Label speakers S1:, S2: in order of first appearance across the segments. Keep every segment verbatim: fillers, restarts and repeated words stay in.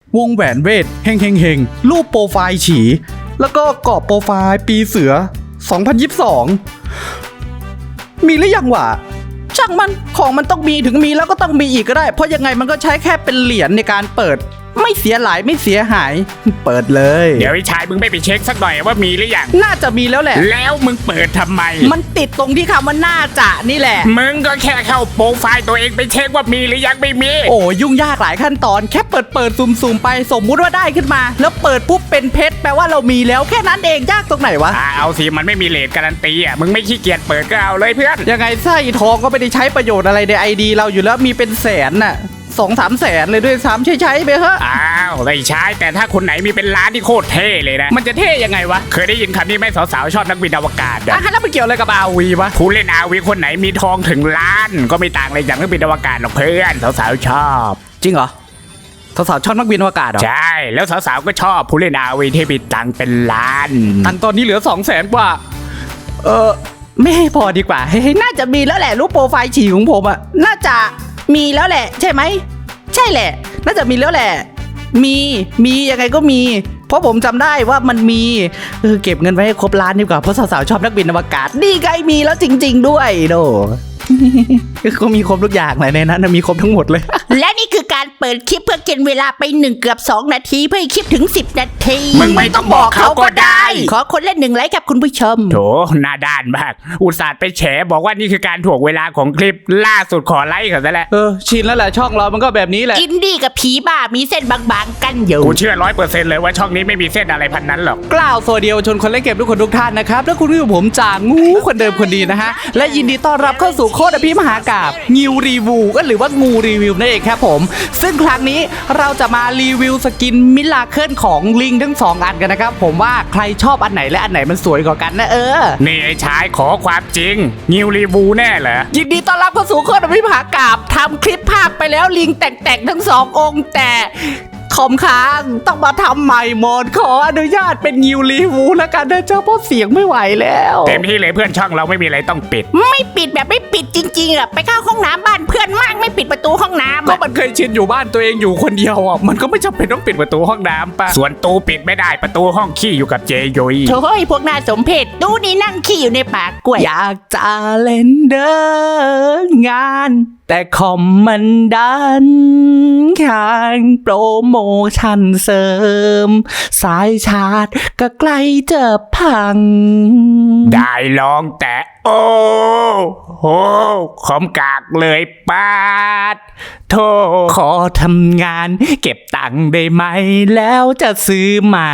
S1: วงแหวนเวทเฮงเฮงเฮงรูปโปรไฟล์ฉีแล้วก็กรอบโปรไฟล์ปีเสือสองพันยี่สิบสองมีหรือยังวะช่างมันของมันต้องมีถึงมีแล้วก็ต้องมีอีกก็ได้เพราะยังไงมันก็ใช้แค่เป็นเหรียญในการเปิดไม่เสียหลายไม่เสียหายเปิดเลย
S2: เดี๋ยวไอ้ชายมึงไม่ไปเช็คสักหน่อยว่ามีหรือยัง
S1: น่าจะมีแล้วแหละ
S2: แล้วมึงเปิดทำไม
S1: มันติดตรงที่คำว่าน่าจะนี่แหละ
S2: มึงก็แค่เข้าโปรไฟล์ตัวเองไปเช็คว่ามีหรือยังไม่มี
S1: โอ้ยุ่งยากหลายขั้นตอนแค่เปิดเปิดซูมซูมไปสมมุติว่าได้ขึ้นมาแล้วเปิดปุ๊บเป็นเพชรแปลว่าเรามีแล้วแค่นั้นเองยากตรงไหนวะ
S2: เอาสิมันไม่มีเลทการันตีอ่ะมึงไม่ขี้เกียจเปิดก็เอาเลยเพื่อน
S1: ยังไงไส้ทองก็ไม่ได้ใช้ประโยชน์อะไรในไอดีเราอยู่แล้วมีเป็นแสนน่ะสองสามแสนเลยด้วยซ้ำใช้ใช้ไปเถอะ
S2: อ้าวไม่ใช่แต่ถ้าคนไหนมีเป็นล้านที่โคตรเท่เลยนะ
S1: มันจะเท่ยังไงวะ
S2: เคยได้ยินคำนี้ไหมสาวๆชอบนักบินอวกาศ
S1: อ่ะแล้วมันเกี่ยวอะไรกับอาวีวะ
S2: ผู้เล่นอาวีคนไหนมีทองถึงล้านก็ไม่ต่างอะไรจากนักบินอวกาศหรอกเพื่อนสาวๆชอบ
S1: จริงเหรอสาวๆชอบนักบินอวกาศเหรอ
S2: ใช่แล้วสาวๆก็ชอบผู้เล่นอาวีที่มีตังเป็นล้าน
S1: ตังตอนนี้เหลือสองแสนกว่าเออไม่ให้พอดีกว่าเฮ้ยน่าจะมีแล้วแหละรูปโปรไฟล์ฉี่ของผมอะน่าจะมีแล้วแหละใช่ไหมใช่แหละน่าจะมีแล้วแหละมีมียังไงก็มีเพราะผมจำได้ว่ามันมีเออเก็บเงินไว้ให้ครบล้านดีกว่าเพราะสาวๆชอบนักบินอวกาศนี่ไงมีแล้วจริงๆด้วยโดก็มีครบทุกอย่างเลยในนั้นมีครบทั้งหมดเลย
S3: และนี่คือการเปิดคลิปเพื่อกินเวลาไปหนึ่งเกือบสองนาทีเพื่อให้คลิปถึงสิบนาที
S2: มึงไม่ต้องบอกเขาก็ได้
S3: ขอคนเล่นหนึ่งไลค์กับคุณผู้ชม
S2: โถหน้าด้านมากอุตส่าห์ไปแฉบอกว่านี่คือการถ่วงเวลาของคลิปล่าสุดขอไลค์เขาซะแล้ว
S1: เออชินแล้วแหละช่องเรามันก็แบบนี้แหละ
S3: อินดี้กับผีบ้ามีเส้นบางๆกันอยู่
S2: กูเชื่อร้อยเปอร์เซ็นต์เลยว่าช่องนี้ไม่มีเส้นอะไรพันนั้นหรอก
S1: กล่าวสวัสดีชนคนเล่นเกมทุกคนทุกท่านนะครับและคุณผู้ชมผมจางงูคนเดิมคนดีนะฮะและยินดีต้อนรับเข้าสู่โคตรอภิมหากาพย์งิวรีวิวก็หรือว่างูรีวิวนั่นเองครับผมซึ่งครั้งนี้เราจะมารีวิวสกินมิลาเคิลของลิงทั้งสองอันกันนะครับผมว่าใครชอบอันไหนและอันไหนมันสวยกว่ากันนะเออ
S2: นี่ไอ้ชายขอความจริงงิวรีวิวแน่เหรอ
S1: ยินดีต้อนรับเข้าสู่โคตรอภิมหากาพย์ทำคลิปภาคไปแล้วลิงแต่งๆทั้งสององค์แต่คอมค้างต้องมาทำใหม่หมดขออนุญาตเป็นงิวรีวิวแล้วกันนะเจ้าเพราะเสียงไม่ไหวแล้ว
S2: เต็มที่เลยเพื่อนช่องเราไม่มีอะไรต้องปิด
S3: ไม่ปิดแบบไม่ปิดจริงๆอ่ะไปเข้าห้องน้ำบ้านเพื่อนมากไม่ปิดประตูห้องน้ำ
S1: ก็มันเคยชินอยู่บ้านตัวเองอยู่คนเดียวอ่ะมันก็ไม่จำเป็นต้องปิดประตูห้องน้ำป่ะ
S2: ส่วนตู้ปิดไม่ได้ประตูห้องขี้อยู่กับเจยุย
S3: โถ่พวกน่าสมเพชตู้นี้นั่งขี้อยู่ในปากกล้วย
S1: อยากจะเล่นเดินงานแต่คอมมันดันข้างโปรโมชั่นเสริมสายชาร์จก็ใกล้จะพัง
S2: ได้ลองแต่โอ้โหคอมกากเลยปาดโทร
S1: ขอทำงานเก็บตังค์ได้ไหมแล้วจะซื้อใหม่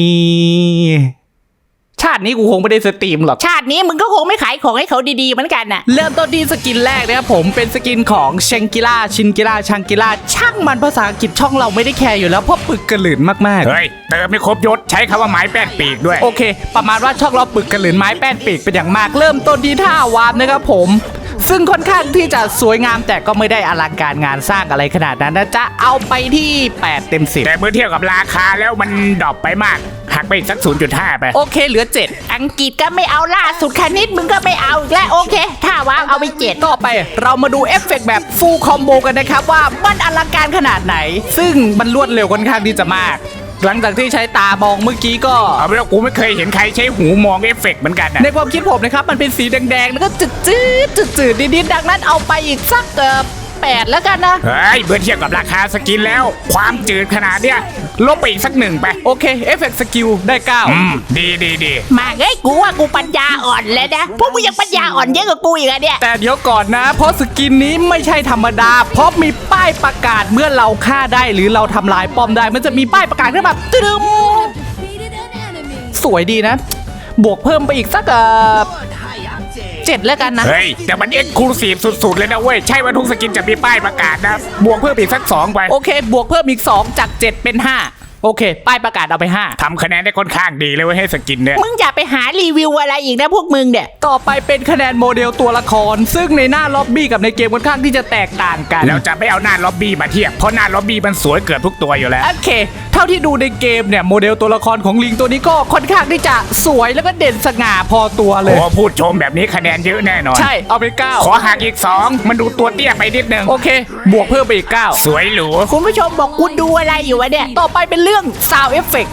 S1: ชาตินี้กูคงไม่ได้สตรีมหรอก
S3: ชาตินี้มึงก็คงไม่ขายของให้เขาดีๆเหมือนกันน่ะ
S1: เริ่มต้นที่สกินแรกนะครับผมเป็นสกินของเชงกิล่าชินกิล่าชังกิล่าช่างมันภาษาอังกฤษช่องเราไม่ได้แคร์อยู่แล้วเพราะปึกกระหลืนมากๆ
S2: เฮ้ยเติมไม่ครบยศใช้คำว่าไม้แป้นปีกด้วย
S1: โอเคประมาณว่าช่องเราปึกกระหลืนไม้แป้นปีกเป็นอย่างมากเริ่มต้นที่ท่าวาร์ปนะครับผมซึ่งค่อนข้างที่จะสวยงามแต่ก็ไม่ได้อลังการงานสร้างอะไรขนาดนั้นนะจ๊ะเอาไปที่แปดเต็มสิบ
S2: แต่เมื่อเทียบกับราคาแล้วมันดรอปไปมากหักไปอีกสัก ศูนย์จุดห้า ไป
S1: โอเคเหลือเจ็ด
S3: อังกฤษก็ไม่เอาล่าสุดคณิตมึงก็ไม่เอาและโอเคถ้าวางเอาไปเจ็ด
S1: ต่อไปเรามาดูเอฟเฟกต์แบบฟูลคอมโบกันนะครับว่ามันอลังการขนาดไหนซึ่งมันรวดเร็วค่อนข้างที่จะมากหลังจากที่ใช้ตามองเมื่อกี้ก็
S2: เอาไปแล้วกูไม่เคยเห็นใครใช้หูมองเอฟเฟกต์เหมือนกันนะ
S1: ในความคิดผมนะครับมันเป็นสีแดงๆแล้วก็จืดจืดจืดจืดนิดๆดังนั้นเอาไปอีกสักเกือบแปดแล้วกันนะ
S2: เฮ้ยเมื่อเทียบกับราคาสกินแล้วความจืดขนาดเนี้ยลบไปอีกสักหนึ่งไป
S1: โอเคเอฟเฟกต์สกิลได้เก้า
S2: อืมดีดีดี
S3: มาเฮ้ยกูว่ากูปัญญาอ่อนแล้วนะพวกมึงยังปัญญาอ่อนเยอะกว่ากูอีกอะเนี่ย
S1: แต่เดี๋ยวก่อนนะเพราะสกินนี้ไม่ใช่ธรรมดาเพราะมีป้ายประกาศเมื่อเราฆ่าได้หรือเราทำลายป้อมได้มันจะมีป้ายประกาศขึ้นมาตึ้มสวยดีนะบวกเพิ่มไปอีกสักเอ่อเจ็ดแล้วกันนะ
S2: เฮ้ยแต่มันเอ็กซ์คลูซีฟสุดๆเลยนะเว้ยใช่ว่าทุกสกินจะมีป้ายประกาศนะบวกเพิ่มอีกสักสองไป
S1: โอเคบวกเพิ่มอีกสองจากเจ็ดเป็นห้าโอเค ป้ายประกาศเอาไปห้า
S2: ทำคะแนนได้ค่อนข้างดีเลยเว้ยให้สกินเนี่ย
S3: มึงอย่าไปหารีวิวอะไรอีกนะพวกมึงเนี่ย
S1: ต่อไปเป็นคะแนนโมเดลตัวละคร ซึ่งในหน้าล็อบบี้กับในเกมค่อนข้างที่จะแตกต่างกัน
S2: แล้วจะไม่เอาหน้าล็อบบี้มาเทียบเพราะหน้าล็อบบี้มันสวยเกือบทุกตัวอยู่แล้ว
S1: โอเค เท่าที่ดูในเกมเนี่ยโมเดลตัวละครของลิงตัวนี้ก็ค่อนข้างที่จะสวยแล้วก็เด่นสง่าพอตัวเลย
S2: โอ้พูดชมแบบนี้คะแนนเยอะแน่นอน
S1: ใช่เอาไปเก้า
S2: ขอหักอีกสองมันดูตัวเตี้ยไปนิดนึง
S1: โอเค บวกเพิ่มไปอีกเก้า
S2: สวยหรู
S3: คุณผู้ชมบอกกูดูอะไรอยู่วะเนี่ย
S1: ต่อไปเป็นเรื่อง Sound Effect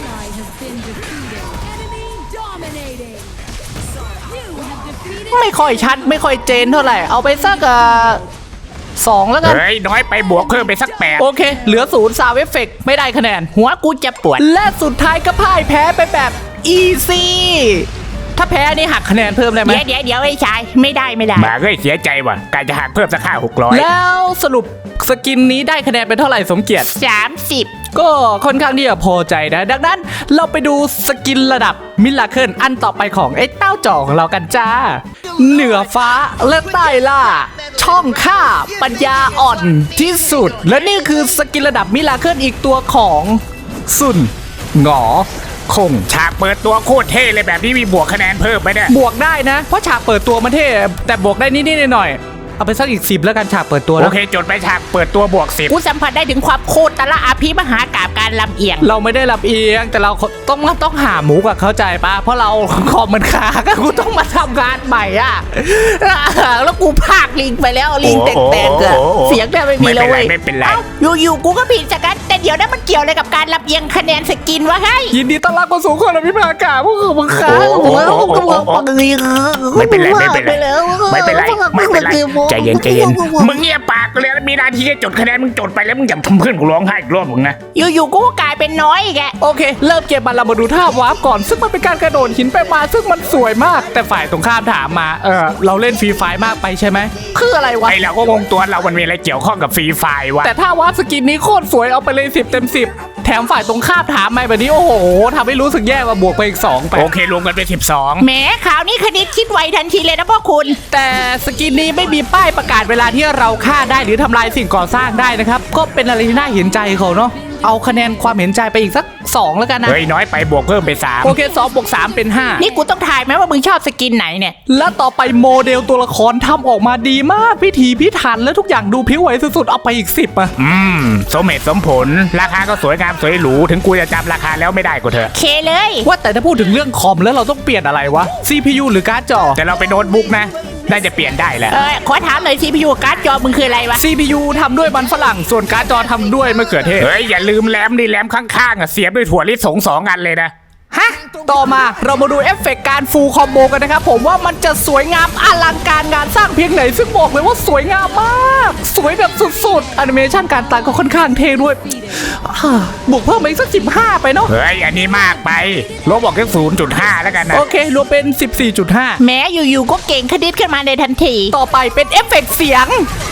S1: ไม่ค่อยชัดไม่ค่อยเจนเท่าไหร่ เอาไปสักเอ่อสองแล้วกัน
S2: เฮ้ยน้อยไปบวกเพิ่มไปสักแปด
S1: โอเค เหลือศูนย์ Sound Effect ไม่ได้คะแนน
S3: หัวกูจะปวด
S1: และสุดท้ายก็พ่ายแพ้ไปแบบ easy ถ้าแพ้นี่หักคะแนนเพิ่มได้ไหม
S3: เดี๋ยวเดี๋ยวเดี๋ยวไอ้ชายไม่ได้ไม่ได้
S2: มาเฮ้ยเสียใจว่ะการจะหักเพิ่มสักห้าหกร้อย
S1: แล้วสรุปสกินนี้ได้คะแนนเป็นเท่าไหร่สมเกียรติ
S3: สามสิบ
S1: ก็ค่อนข้างที่จะพอใจนะ ดังนั้นเราไปดูสกินระดับมิลาเคิลอันต่อไปของไอ้เต้าจ่อของเรากันจ้า เหนือฟ้าและใต้ล่า ช่องข้าปัญญาอ่อนที่สุด และนี่คือสกินระดับมิลาเคิลอีกตัวของซุนหงอคง
S2: ฉากเปิดตัวโคตรเท่เลยแบบนี้มีบวกคะแนนเพิ่มไหมเนี่ย
S1: บวกได้นะ เพราะฉากเปิดตัวมันเท่แต่บวกได้นิดๆหน่อยๆเอาไปสักอีกสิบแล้วกันฉากเปิดตัว
S2: โอ
S1: แล้ว
S2: เคจดไปฉากเปิดตัวบวกสิบ
S3: กูสัมผัสได้ถึงความโคตรตะละอาภิมหากาบการลำเอียง
S1: เราไม่ได้รับเอียงแต่เราต้องต้องหาหมูกับเข้าใจปะเพราะเราคอมมันค้างกูต้องมาทำงานใหม่อ่ะแล้วกูพากลิงไปแล้วลิงแตกๆเกิดเสียงแทบไม่มีแล้วเว้ย
S2: ไม่เป็นไร
S3: เอ้าอยู่ๆกูก็ผิดจากกันแต่เดี๋ยวนั้นมันเกี่ยวอะไรกับการลำเอียงคะแนนสกินวะให้
S1: ยินดีต้อนรับเข้าสู่คนอภิปรายกาพวกคือมึงค้าง
S2: โอ้โหโอ้โหโอ้โหโอ้โห ไม่เป็นไรไม่เป็นไรไม่เป็นไรไม่เป็นไรใจเย็นใจเย็นมึงเงียบปากเลยแล้วมีหนาทีแค่จดคะแนนมึงจดไปแล้วมึงอย่าทำเพื่อนกูร้องไห้อีกรอบมึงนะ
S3: อยู่ๆกูก็กลายเป็นน้อยอีกแก
S1: โอเค เริ่มเกมมาเรามาดูท่าวาร์ปก่อน ซึ่งมันเป็นการกระโดดหินไปมาซึ่งมันสวยมาก แต่ฝ่ายตรงข้ามถามมาเออเราเล่นฟรีไฟมากไปใช่ไหมคืออะไรวะ
S2: ไอเราก็งงตัวเรามันมีอะไรเกี่ยวข้องกับฟรีไฟวะ
S1: แต่ถ้าวาร์ปสกินนี้โคตรสวยเอาไปเลยสิบเต็มสิบแถมฝ่ายตรงข้ามถามมาแบบนี้โอ้โหทำให้รู้สึกแย่ว่าบวกไปอีกสองไป
S2: โอเครวมกันเป็นสิบสอง
S3: แหมข่าวนี้คณิตคิดไวทันทีเลยนะพ่อคุณ
S1: แต่สกินนี้ไม่มีป้ายประกาศเวลาที่เราฆ่าได้หรือทำลายสิ่งก่อสร้างได้นะครับ ก็เป็นอะไรที่น่าเห็นใจเขาเนาะเอาคะแนนความเห็นใจไปอีกสักสองแล้วกันนะ
S2: เฮ้ยน้อยไปบวกเพิ่มไปสาม
S1: โอเคสองบวกสามเป็นห้า
S3: นี่กูต้องถ่ายไหมว่ามึงชอบสกินไหนเนี่ย
S1: และต่อไปโมเดลตัวละครทำออกมาดีมากพิถีพิถันและทุกอย่างดูพิ้วไหวสุดๆเอาไปอีกสิบอะ
S2: อืมสมเหตุสมผลราคาก็สวยงามสวยหรูถึงกูจะจำราคาแล้วไม่ได้ก็เถอะ
S3: เคเลย
S1: ว่าแต่ถ้าพูดถึงเรื่องคอมแล้วเราต้องเปลี่ยนอะไรวะ ซี พี ยู หรือการ์ดจอ
S2: แต่เราไปโน้ตบุ๊กนะน่าจะเปลี่ยนได้แหละ
S3: เออขอถามหน่อย ซี พี ยู การ์ดจอมึงคืออะไรวะ
S1: ซี พี ยู ทำด้วยมันฝรั่งส่วนการ์ดจอทำด้วยมะเขือเทศ
S2: เฮ้ยอย่าลืมแรมดิแรมข้างๆอ่ะเสียบด้วยถั่วลิสงสองอันเลยนะ
S1: ฮะ ต่อมาเรามาดูเอฟเฟกต์การฟูลคอมโบกันนะครับผมว่ามันจะสวยงามอลังการงานสร้างเพียงไหนซึ่งบอกเลยว่าสวยงามมาก สวยแบบสุดๆแอนิเมชันการตัดก็ค่อนข้างเท่ด้วยอ่าบวกเพิ่มมาอีกสักสิบห้าไปเนาะ
S2: เฮ้ยอันนี้มากไปลบบอกแค่ศูนย์จุดห้าแล้วกันนะ
S1: โอเครวมเป็น สิบสี่จุดห้า
S3: แม้อยู่ๆก็เก่งคณิตขึ้นมาในทันที
S1: ต่อไปเป็นเอฟเฟกต์เสียง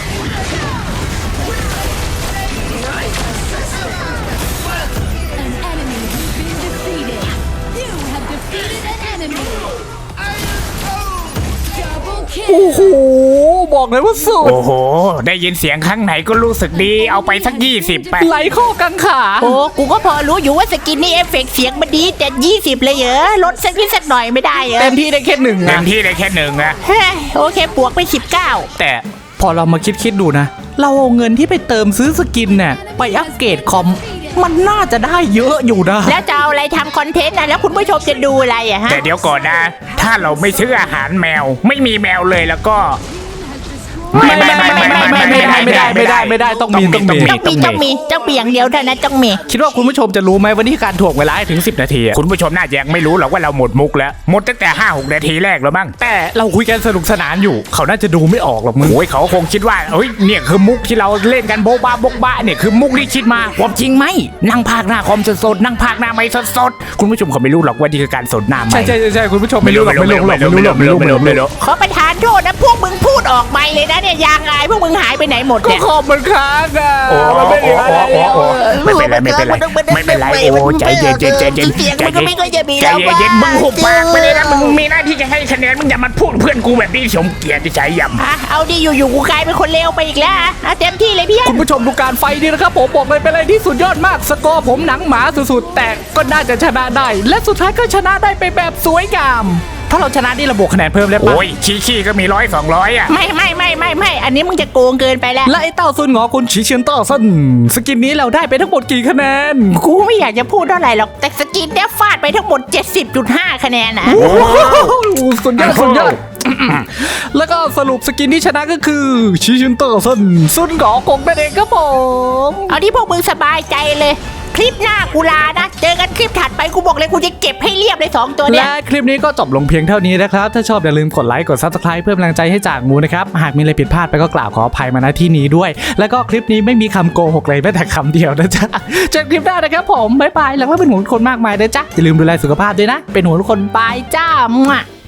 S1: โอ้โห บอกเลยว่าสุด
S2: โอ้โห ได้ยินเสียงข้างไหนก็รู้สึกดีเอาไปสักยี่สิบไป
S1: ไหลข้อกังขา
S3: โอ้กูก็พอรู้อยู่ว่าสกินนี่เอฟเฟกต์เสียงมันดีแต่ยี่สิบเลยเหรอลดสักนิดสักหน่อยไม่ได้เหรอ
S1: เต็มที่ได้แค่หนึ่ง
S2: เต็
S1: นะ
S2: มที่ได้แค่หนึ่งนะ
S3: เฮ้ยโอเคบวกไปสิบเก้า
S1: แต่พอเรามาคิดคิดๆดูนะ เราเอาเงินที่ไปเติมซื้อสกินเนี่ยไปอัปเกรดคอม มันน่าจะได้เยอะอยู่นะ
S3: แล้วจะเอาอะไรทำคอนเทนต์นะแล้วคุณผู้ชมจะดูอะไรอะฮะ
S2: แต่เดี๋ยวก่อนนะ ถ้าเราไม่ซื้ออาหารแมว ไม่มีแมวเลยแล้วก็
S1: ไม่ไม่ไม่ไม่ไม่ไม่ไม่ได้ไม่ได้ไม่ได้ไม่ได้ต้องมีต้องมี
S3: ต้องมีต้องมีต้องมีอย่างเดียวเท่านั้นต้องมี
S1: คิดว่าคุณผู้ชมจะรู้ไหมวันนี้การถ่วงเวลาให้ถึงสิบนาทีอะ
S2: คุณผู้ชมน่าจะยังไม่รู้หรอกว่าเราหมดมุกแล้ว หมดตั้งแต่ห้าหกนาทีแรกแล้วมั้ง
S1: แต่เราคุยกันสนุกสนานอยู่ เขาน่าจะดูไม่ออกหรอกมึง
S2: โอ้ยเขาคงคิดว่าเอ้ยเนี่ยคือมุกที่เราเล่นกันโบ๊ะบ้าโบ๊ะบ้าเนี่ยคือมุกที่คิดมาผมจริงไหมนั่งพากหน้าคอมสดๆนั่งพากหน้าไม่สดๆคุณผู้ชมเขาไม่รู้หรอกว่านี่คือการสดหน้าไม่
S1: ใช่ใช่ใช่คุณผู้ชมไม่รู้หรอกไม่รู้หรอกไม่รู้หรอกไม่รู้ไม่รู้ไม่รู้
S3: ขอประทานานโทษนะพวกมึงพูดออกไปเลยนะเนี่ยยางอายพวกมึงหายไปไหนหมด
S1: ก็
S3: เนี่ย
S1: คอมมันค้างอ่ะ
S2: โอ้
S1: มันไม่เหลืออะไรแล้ว
S2: โอ้ไม่เป็นไรไม่เป็นไรไม่เป็นไรโอ้ใจเย็นใจเย็นใจเย็น
S3: เสียงมันก็ไม่ค่อยจะมี
S2: ใจ
S3: แล้ว
S2: เย็นมึงหุบปากไปเลยนะมึงมีหน้าที่จะให้คะแนนมึงอย่ามาพูดเพื่อนกูแบบนี้สมเกียรติใจยำ
S3: อ่ะเอาดิอยู่ๆกูกลายเป็นคนเลวไปอีกแล้วอ่ะอ่ะเต็มที่เลยพี่
S1: คุณผู้ชมดูการไฟดีนะครับผมบอกเลยเป็นอะไรที่สุดยอดมากสกอร์ผมหนังหมาสุดๆแต่ก็น่าจะชนะได้ และสุดท้ายก็ชนะได้ไปแบบสวยงามถ้าเราชนะนี่ระบบคะแนนเพิ่มได้ปะ
S2: โอ้ยขี้ขี้ก็มีร้อยสองร้อยอ่ะ
S3: ไม่ไม่ไม่ไม่ไม่อันนี้มึงจะโกงเกินไปแล้ว
S1: และไอ้เต้าซุนหงอคุณฉีเชียนเต้าซันสกินนี้เราได้ไปทั้งหมดกี่คะแนน
S3: กูไม่อยากจะพูดเท่าไหร่หรอกแต่สกินเนี่ยฟาดไปทั้งหมด เจ็ดสิบจุดห้า คะแนนนะ
S1: โอ้โหสุดยอดสุดยอดแล้วก็สรุปสกินที่ชนะก็คือฉีเชียนเต้าซันซุนหงอกงนั่นเองครับผม
S3: เอาที่พวกมึงสบายใจเลย คลิปหน้ากูลานะเจอกันคลิปถัดไปกูบอกเลยกูจะเก็บให้เรียบเลยสองตัวเนี่ย
S1: และคลิปนี้ก็จบลงเพียงเท่านี้นะครับถ้าชอบอย่าลืมกดไลค์กด ซับสไครบ์ เพิ่มแรงใจให้จากงูนะครับหากมีอะไรผิดพลาดไปก็กล่าวขออภัยมาณที่นี้ด้วย แล้วก็คลิปนี้ไม่มีคำโกหกเลยแม้แต่คำเดียวนะจ๊ะเจอกันคลิปหน้านะครับผมบ๊ายบายหลังว่าเป็นห่วงทุกคนมากมายนะจ๊ะอย่าลืมดูแลสุขภาพด้วยนะเป็นห่วงทุกคนบายจ้า